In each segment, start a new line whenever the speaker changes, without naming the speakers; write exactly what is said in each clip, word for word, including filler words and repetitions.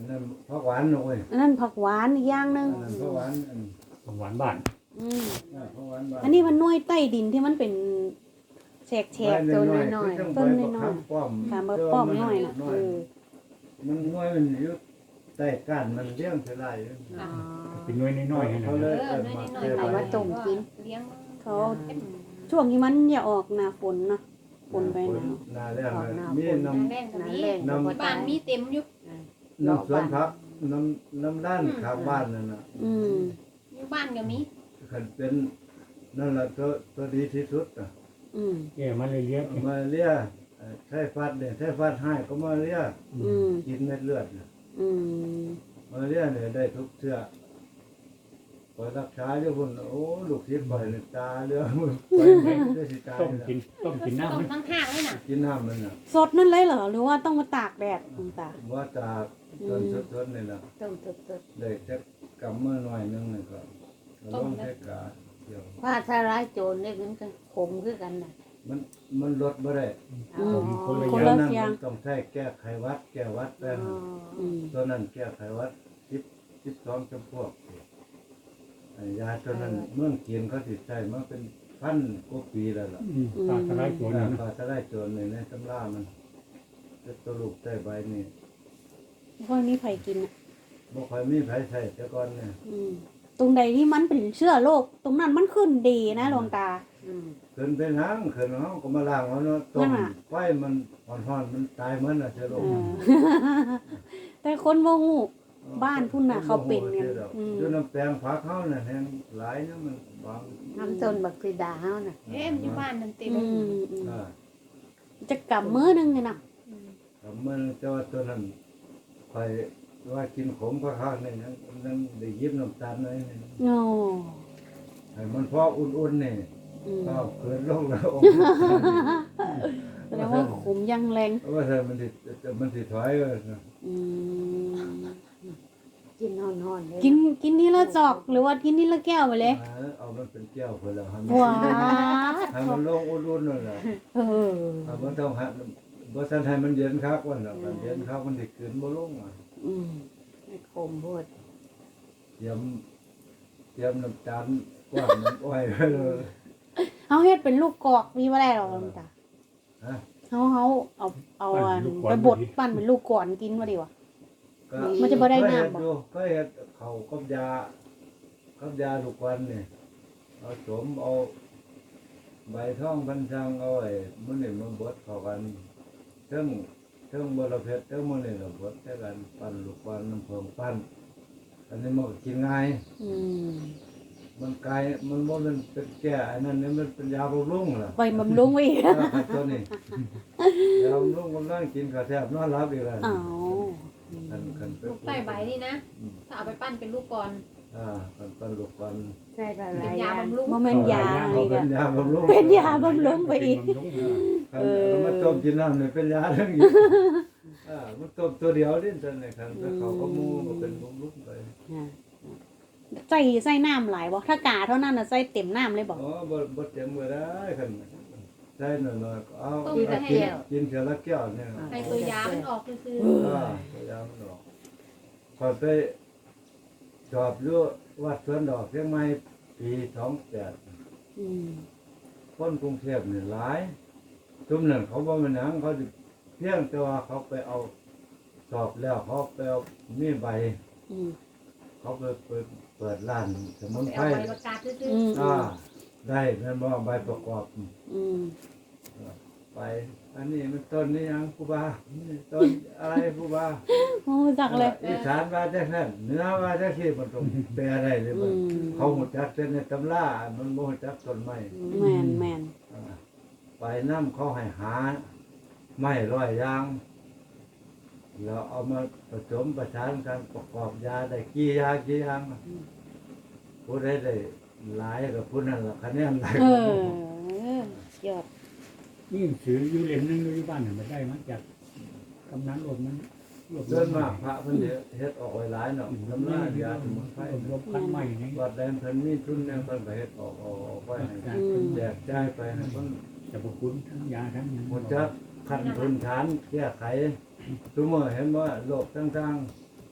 นนั้นผักหวานเว้ย
อันนั้นผักหวานอีกอย่างหนึง
อันนั้นผักหวานอัน
ของหวานบ้าน
อืม
อ่าผักหวานบ้าน
อันนี้มันหน่วยใต้ดินที่มันเป็นแฉกๆ
ต้นน้อยๆ
ต้นน้อยๆ
ๆป้อม
ค่ะมาป้อมน้อยน่ะเออ
มันน้อยมันอยู่ใต้ก้านมันเลี้ยงเท่าไหร่
อ๋อ
เป็นน้อยน้อยๆให้นะ
เขาเลย
เออ
เอิ้น
น้อย
มา
ๆ
เก็บ
เอา
ไว้
ไว้ต้มกินเลี้ยง
เขาช่วงที่มันอย่าออกหน้าฝนเนาะฝนไปหนาว
หน้าแรงน่ะมีน้
แรงกับ
น้ำ
นี้
แรง
น้ำ
บ้านมีเต็มอยู่
ำน้ำสวนผักน้ำน้ำด้านข้างบ้านนั่นน่ะ
อืม
อยู่บ้านก็มี
คันเป็นนั่นแหละตัวตัวดีที่สุดน่ะ
อืม
แก่มาเลยเลี้ยง
มาเลียเอ่อไทฟัดเนี่ยไทฟัดให้ก็มาเลีย
อืม
กินเม็ดเลือดน่ะ
อืม
มาเลียเนี่ยได้ทุกเชื้อพอรักษาอยู่พุ่นโอ้ลูกศิษย์บ่อยเนี่ยตาเรือมือ
ไว้ไว้
ได้สิตาย
ต้ม
แล้ว
กินต้มกินน้ำ
ต้ม
มัน
ทั้งห้างเลยน่ะ
กินน้ำมันน่ะ
สดนั่นเลยเหรอหรือว่าต้องมาตากแดดคุณตา
ว่าจากต้นสดๆนี่น่ะ
ต้มสด
ได้จักกำมือหน่อยนึงนี่ก็ลองใช้กาเดียว
ๆว่าถ้าร้ายโจรได้มันก็ขมคือกันน่ะ
มันมันลดบ่ได้
อืม
คนละ
คน
อย่าง
ละ
นั้น
เสียง
มันต้องใช้แก้ไขหวัด แก้หวัดแป้ง
อืม
ตัวนั้นแก้ไขหวัดสิบสิบสองจำพวกไอ้ยาตัวนั้นเมืองจีนเขาติดใช้มาเป็นพันกว่าปีแล้วล่ะ
อืมปลาทลายโจรนะ
ปลาทะไลโจรในในตำรามันจะตัวลูกใต้ใบนี่
พวกนี้ไผกินอ่ะ
บ่ค่อยมีไผใช้แต่ก่อนเนี่ย
อืมตรงใดที่มันเป็นเชื้อโรคตรงนั้นมันขึ้นดีนะหลวงตา
อืม
ขึ้นไปหางขึ้นเฮาก็มาล้างเอาเนาะต้
นั่
ม
นน่ะ
ไฟมันอ่อนๆมันตายเหมือนน่ะเชื้อโร
เอ
ค
อ แต่คนบ่ฮู้ บ้านพุ่นน่ะเขาเป็นกันอืม
อยู่น้ำแปลงผักเฮาน่ะแฮงหลายนะมันบาง
น้ำต้นบักสีดาเฮาน่ะ
เอ๊ะมันอยู่บ้านนั่นเต็ม
อืมอืม
อ่า
จะกำมื้อหนึงเนี่ยนะ
ก็มันเจ้าตัวนั้นค่อยว่ากินขมก็ข้างนี่ยังยังได้ยิบน้ำตาลหน่อยนี่
โอ้
ให้มันพออุ่นๆนี่
อืม
ก็เกินลงแล้ว
แสดงว่าขมยังแรง
ว่าถ้ามันสิมันสิถอยเออ
อืม
กินฮ้อนๆเลย
กินกินนี่ละจอกหรือว่ากินนี่ละแก้วไปเลย
เอามันเป็นแก้วพุ่นแล้วให้มัน
ว้า
ให้มันลงอุ่นๆนั่นแหละ
เออ
ถ้ามันต้องให้บ่ทันให้มันเย็นคักวันน่ะมันเย็นคักมันสิขึ้นบ่ลงอ่ะ
อืม
ให้ขมโพด
เตรียมเตรียมน้ำตาลกว้านน้ำอ้อยไว้เลย
เฮาเฮ็ดเป็นลูกกอกมีบ่ได้หรอกหลวงตา
ฮะ
เฮาเฮาเอาเอาอันไปบดปั้นเป็นลูกก่อนกินว่าดีวะ
ก็
มันจะบ่ได้น้ำบ่
เคยเฮ็อยู่เคยเฮ็ดเขาวกับยากับยาลูกวันนี่เอาสมเอาใบท่องพันชังเอาไอ้มื้อนี้มันบดเข้ากันเทั้งเทั้งบรเพชรเทั้งมื้อนี้เราบดใช้กันปั้นลูกวันน้ำเพิงปั้นอันนี้มันก็กินง่าย
อืม
มันไกลมันบ่แมันเป็นแก่อันนั้นนี่มันเป็นยาบำรุงล่ะ
ไปบำรุงไว้อีก
เออครับตัวนี้ยาบำรุงกำลังกินก็แทบนอนหลับอีกแล้ว
อ้าว
คันคันไป
ลูกใต้ใบนี่นะ ถ้าเอาไปปั้นเป็นลูกก่อน
อ่าคันปั้นลูกวัน
ใช่ละ
เป็
ลาน ย
ยาบำรุง
บ่แม่นยา
เขา
อีก
เป็
อะ
นยาบำรุง
เป็นยาบำรุงไปอีก
คันเอามาต้มกินน้ำนี่เป็นยาทั้งนี้อ่ามันต้มตัวเดียวนี่ซั่นนี่คันไปเขาก็หมูก็เป็นบำรุงไป
ใส่ใส่น้ำหลายบ่ถ้ากาเท่านั้นน่ะใส่เต็มน้ำเลยบ่
อ๋อบ่บ่เต็มบ่ได้คันใส่หน่อยๆก็เอา
ต้ม
กิน
ไปให้
กินเทื่อละแก้วเนี่ย
ให้ตัวยามันออกคือ
อ่าพยายามดอกพอไปจอบอยู่วัดสวนดอกเชียงใหม่ปีสองแปด
อืม
คนกรุงเทพนี่หลายทุมนั้นเขาบ่มาหนังเขาสิเพียงแต่ว่าเขาไปเอาสอบแล้วเขาไปเอามีใบ
อืม
เขาไปเปิดเปิดร้านสมุน
ไป
ไพร
เอาใบประกาศซื่อ
อืม
อ่าได้แม่นบ่ใบประกอบ
อืม
ไป อันนี้มันต้นนี้ยังครูบานี่ต้นอะไรครูบา
โอ้จักเลย
อีสานว่าจังนั้นเหนือว่าจังซี่มันต้องแปลได้เลย
อื
มัน
ม
เขาหูจักแต่ในตำรามันบ่หูจักต้นไม้
แม่นแม่น
อ่าไปน้ำเขาให้หาไม้ร้อยอยางแล้วเอามาผสมประสานกันประกอบยาได้กี่ยากี่อยางผู้ใดได้หลายกับผู้นั้นละคะแนนหลาย
เอ
กับ
อ
ผู้
ยอด
นี่ถืออยู่เล่มนึงอยู่บ้านน่ะมาได้มาจากกำนันรวมนั้นรวบร
ส่
ว
วนมากพระเพิ่นสิเฮ็ดออกไว้หลายเนาะตำรายาสมุนไพร
รวบรวมพันใหม่นี่
วัดแดนเพิ่นมีทุนเนี่ยเพิ่นก็เฮ็ดออกออกออกไว้ให้แจกจ่ายไปให้เพิ่น
จะบอกคุณทั้งยาทั้งหยัง
หมดจักขั้นพื้นฐานแก้ไขทุกมื้อเห็นว่าโลกต่างๆ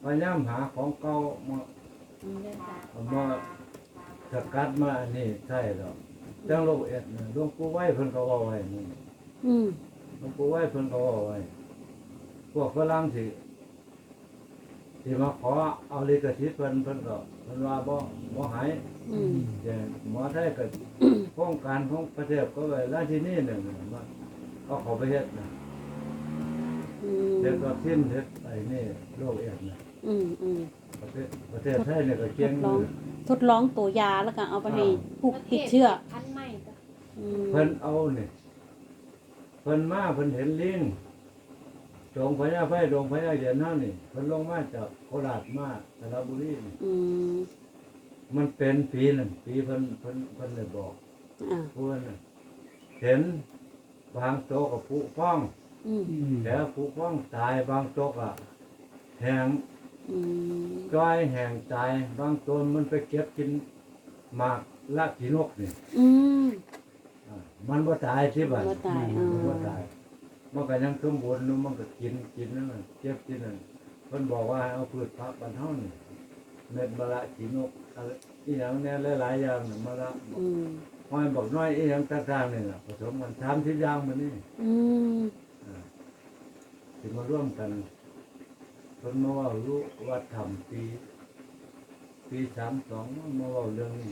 พยายามหาของเก่ามาเอามาสกัดมาอันนี้ใช่หรอกจังโลกเอ็ดน่ะหลวงปู่ไว้เพิ่นก็เว้าไว้นี่
อืม
หลวงปู่ไว้เพิ่นก็เว้าไว้พวกฝรั่งที่ที่มาขอเอาลิขสิทธิ์เพิ่นเพิ่นก็เพิ่นว่าบ่บ่ให้
อืม
แต่หมอไทยก็โครงการของประเทศก็ไว้ราชินีหนึ่งน่ะมาเอาเขาไปเฮ็ดนะ
อืม
เฮ็ดวัคซีนเฮ็ดไอ้นี่โรคเอดส์นะ
อืมอืม
ประเทศประเทศไทยเนี่ยก็เก่งอยู่
ทดลองตัวยาแล้วก็เอาไปให้ผู้ติดเชื้อ
พันใหม่จ้ะ
อืม
เพิ่นเอานี่เพิ่นมาเพิ่นเห็นลิงจงพญาไฟดงพญาเหรียญเฮานี่เพิ่นลงมาจากโคราชมาสระบุรีนี่
อืม
มันเป็นปีนั่นปีเพิ่นเพิ่นเพิ่นเลยบอก
อ่า
ผู้นั้นน่ะเห็นบางโตกับผู้ฟ้อง
อืม
อืม
แต่ผู้ฟ้องตายบางโตกอ่ะแหง
อืม
ก้อยแหงตายบางตัวมันไปเก็บกินหมากลากขีนกนี่
อืม
อ่ามันบ่ตายที่บ้าน
บ่ตายอ่า
มันบ่ตายมันก็ยังสมบูรณ์อยู่มันก็กินกินนั่นน่ะเก็บกินนั่นเพิ่นบอกว่าให้เอาพืชผักบ้านเฮานี่เม็ดมะละขีนกอะไรอีหยังแน่หลายๆอย่างน่ะมะละ
อืม
ห้อยบอกน้อยอีหยังต่างๆนี่ล่ะผสมกันสามสิบอย่างมันนี่
อืม
อ่าสิมาร่วมกันเพิ่นมาเว่ารู้วัดธรรมปีปีสามสองมาเว่าเรื่องนี้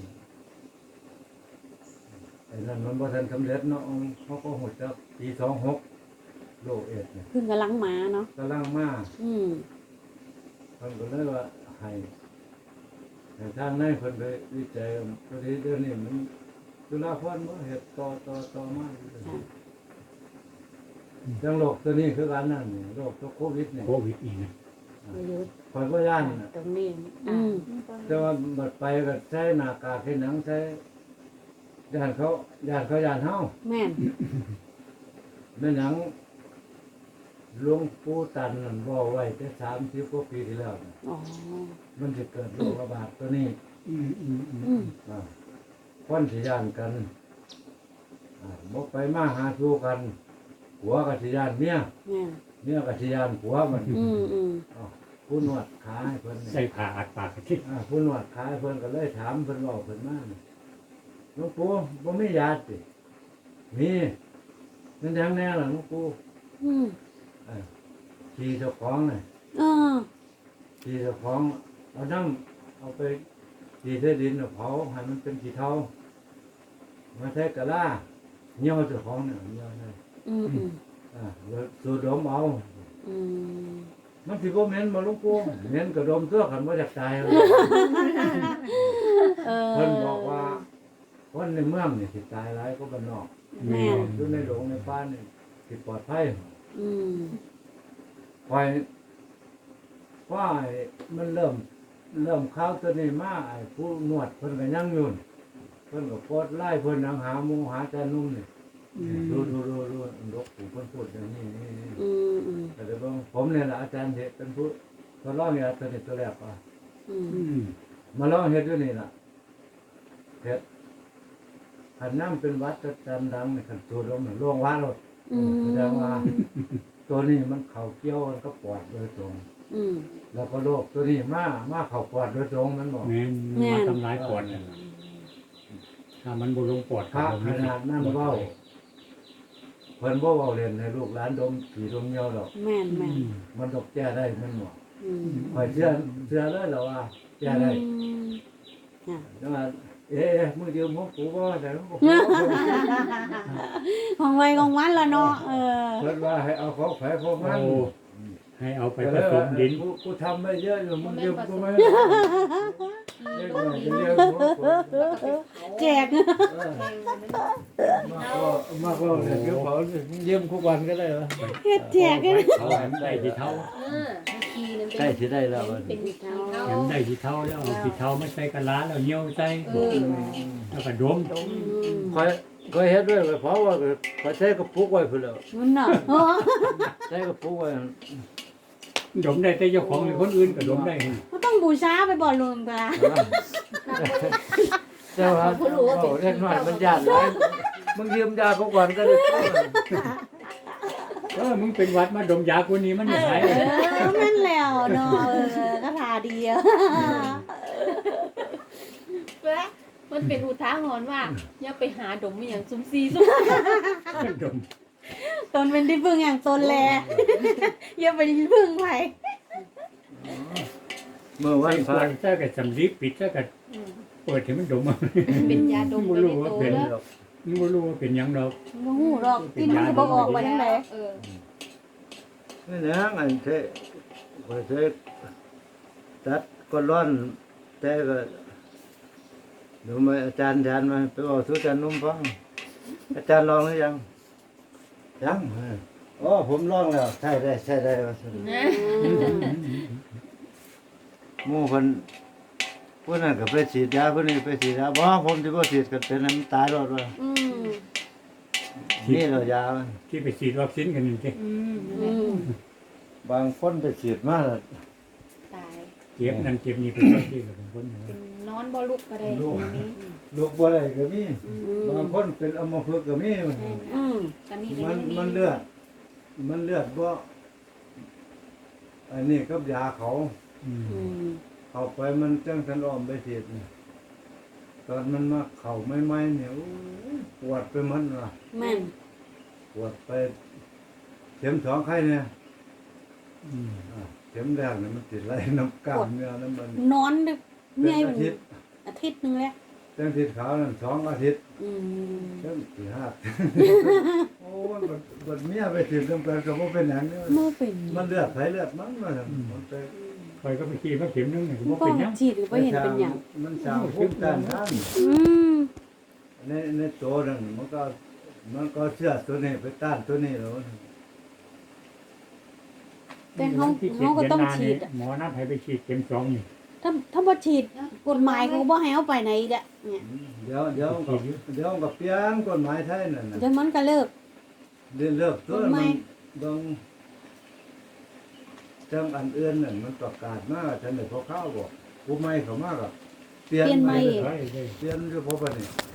ไอ้นั่นมันบ่ทันสำเร็จเนาะเขาก็หดจักปีสองหกโรคเอดส์เนี่ย
เพิ่งกำลังมาเนาะ
กำลังมา
อืม
เพิ่นก็เลยว่าให้ให้ทางในเพิ่นไปวิจัยพอดีเดี๋ยวนี้มันจุฬาภรณ์บ่เฮ็ดต่อต่อต่อมาอยู่เด้อจังโรคตัวนี้คือกันนั่นนี่โรคตัวโควิดนี่
โควิดอีกนะ
ประยุทธ์
ข่อยบ่ย่านน่ะ
ตรงนี้
อืม
แต่ว่าบัดไปก็ใช้หน้ากากเฮ็ดหนังใช้ย่านเขาย่านเขาย่านเฮา
แม่น
แม่นหยังหลวงปู่ตันนั่นบอกไว้แต่สามสิบกว่าปีที่แล้วน่ะ
อ๋อ
มันจะเกิดโรคระบาดตัวนี้
อืมอืมอืม
อืม
อ่าคนสิย่านกันอ่าบ่ไปมาหาสู่กันผัวก็สิย่านเมีย
แม่น
เมียก็สิย่านผัวมัน
อืมอืม
อ้าวผู้นวดขาให้เพิ่นนี่
ใส่ผ้าอัดปากกระทิ
อ่าผู้นวดขาให้เพิ่นก็เลยถามเพิ่นเว้าเพิ่นมานี่หลวงปู่บ่มียาติมีมันหยังแน่ล่ะหลวงปู่
อืม
เอ้ยขี่เจ้าของน่ะ
เออ
ขี่เจ้าของเอาน้ำเอาไปขี่ใส่ดินเอาเผาให้มันเป็นขี้เถ้ามาใช้กะลาเหี่ยวเจ้าของเนี่ยเหี่ยวได้
อืมอืม
อ่าแล้วสูดดมเอา
อืม
มันสิบ่เหม็นบ่หลวงปู่เหม็นก็ดมตัวคันบ่อยากตายเอา
เออ
เพิ่นบอกว่าคนในเมืองนี่สิตายหลายกว่าบ้านนอก
แม่น
อยู่ในโรงในป่านี่สิปลอดภัย
อืม
คอยว่าไอ้มันเริ่มเริ่มเข้าวตัวนี้มาไอ้ผู้นวดเพิ่นก็ยังอยู่นี่เพิ่นก็โพสต์ไล่เพิ่นนังหาหมู่หาแต่นุ่มนี่
อืม
ดูดูดูดูดกผู้เพิ่นพูดอย่างนี้นี่นี่
อืมอืม
แต่เดี๋ยวเบิ่งผมเนี่ยล่ะอาจารย์เฮ็ดเป็นผู้ทดลองเนี่ยตัวนี้ตัวแรกว่า
อืม
อืม
มาลองเฮ็ดอยู่นี่ล่ะเฮ็ดคันน้ำเป็นวัดประจำดังนี่คันสูดลมนี่ล่วงว่าโลด
อืม
แสดงว่าตัวนี้มันเข้าเกี่ยวมันก็ปอดโดยตรง
อืม
แล้วก็โรคตัวนี้มามาเข้าปอดโดยตรงมันบอก
แม่น
แม่น
มาทำร้ายปอดน่ะถ้ามันบ่ลงปอด
พระ
ก็
ขนาดนั้นเว้าเพิ่นบ่เว้าเล่นให้ลูกหลานดมผีดมเหนียวดอก
แม่น
อื
แม่น
ม
มันดอกแก้ได้มันบ่
อืม
ข่อยเชื่อเชื่อเลยเหรอว่าแก้ได้
อืมอ่ะ
จังว่าเอ๊ะมือเดียวหมกกูบ่ได้หมกกู
ของไว้ของมันละเนาะเออ
เพิ่นว่าให้เอาของไผของมัน
โอ้ให้เอาไปผสมดิน
กูกูทำไม่เยอะอยู่มึงเดียวกูไม่เรียกว่าจะเรียกหมกกู
แจก
เออมากก็มากก็เนี่ยเดี๋ยวเขาเยี่ยมทุกวันก็ได้เหรอ
เฮ็ดแจกกัน
เขาแหมได้ที่เท้า
เออคีนึงเป็น
ใกล้สิได้แล้ว
เป็นขี้เท้า
แหมได้ที่เท้าแล้วเอาที่เท้ามาใส่กะลาแล้วเหนียวใส่
เออ
แล้วก็ดม
อืม
คอยคอยเฮ็ดด้วยเพราะว่าคอยใช้กระปุกไว้พุ่นแล้ว
มันน่ะโอ้
ใช้กระปุกไว้
ดมได้แต่เจ้าของหรือคนอื่นก็ดมได้
ก็ต้องบูชาไปบ่ลุงตา
เจ้าว่าโอ้เล็กน้อยมันยากหลายมึงยืมยาเขาก่อนก็ได้
เออมึงเป็นหวัดมาดมยากูนี้มัน
เอ
ไม่หาย
อแม่นแล้วเนาะเออก็ดีอะ
แล้วมันเป็นอุทาหรณ์ว่าอย่าไปหาดมอหย่างซุ่มซีซุ่ม
ดม
ตนเป็นที่พึ่งอย่างตนแล อย่าไปที่พึ่งไผ
เมื่อวั
ใส่
น
ข
พระ
วดซะกับสำลีปิดซะกับเปิดให้มันดมเอา
เป็นยาดมไปในตัว
เป็น
แล้ว
หรอก
นี่บ่รู้ว่าเป็นหยังดอก
บ่ฮู้ดอกกินมันสิบ่ออกไปทางใด
เออ
นี่นะอันเทคอยเทตัดก็ร้อนแต่ก็เดี๋ยวมาอาจารย์อาจารย์มาไปบอกทุกอาจารย์นุ่มฟังอาจารย์ลองหรือยังยังเอออ๋อผมลองแล้วใช่ได้ใช่ได้ว่าซั่น
นะ
หมู่คนผู้นั้นก็ไปฉีดยาผู้นี้ไปฉีดยาบ่ผมสิบ่ฉีดกันเป็นให้มันตายรอดว่า
อืม
นี่เรายามัน
ที่ไปฉีดวัคซีนกันนี่สิ
อืม
อืม
บางคนไปฉีดมาแล้ว
ตาย
เจ็บนั่นเจ็บนี่เป็นที่กับเป็นคนอยู่
เป็นนอนบ่ลุกก็ได้ตรงนี้
ลูกบ่ได้ก็มี
อื
บาง
ม
คนเป็นอัมพฤกษ์ก็มี
อืม
ตอนนี้
มันมันเลือด มันเลือดบ่อันนี้กับยาเขา
อืม
อืม
เข้าไปมันจังสันอ้อมไปฉีดนี่ตอนมันมาเข้าใหม่ๆเนี่ยโอ้ยปวดไปหมันว่ะ
แม่น
ปวดไปเข็มสองไข้เนี่ย
อืม
อ่ะเข็มแรกเนี่ยมันติดไรน้ำกล้ามเนื้อน้ำมัน
นอนดึก
เป็น
เมื่อย
อาทิตย์
อาทิตย์หนึงแล้ว
จังติดขาวนั่นสองอาทิตย์
อืม
จังสี่ห้า โอ้ยบัดบัดเมียไปฉีดน้ำกันก็บ่เป็นหยังเนี่ย
เมื่อเป็น
มันเลือดไผเลือดมันว่าซั่นมันไป
คอยก็ไปฉีดมาเข็มนึงนี่ก็บ่
ป้อ
เป็
ง
นหยัง
ฉีดก็บ่เห็นเป็นหยัง
มันสร้างภูมิต้านทาน
อืม
ในในตัวนั่นมันก็มันก็เชื่อตัวนี้ไปต้านตัวนี้แล้ว
แต่เฮา
ที่
เฮาก็ต้อง
ดืนหน้
ฉีด
นี่
อะ
หมอนัดให้ไปฉีดเข็มสองนี่
ถ้าถ้าบ่ฉีดกฎหมายเขาก็บ่ให้เอาไปไหนอีกอะเนี่ย
เดี๋ยวเดี๋ยวก็เดี๋ยวก็เปลี่ยนกฎหมายไทยนั่นน่ะ
เดี๋ยวมันก็เลิก
เดี๋ยวเลิกตัว
กฎห
มั
มาย
นต้องจังอันอื่นนั่นมันประกาศมาจังได๋พอเข้าบ่ผู้ใหม่เข้ามาก็เปลี่ยน
เปลี่ยนใหม่
ไป
เฮ้ยเฮ้ย
เปลี่ยนอยู่พอบัดนี้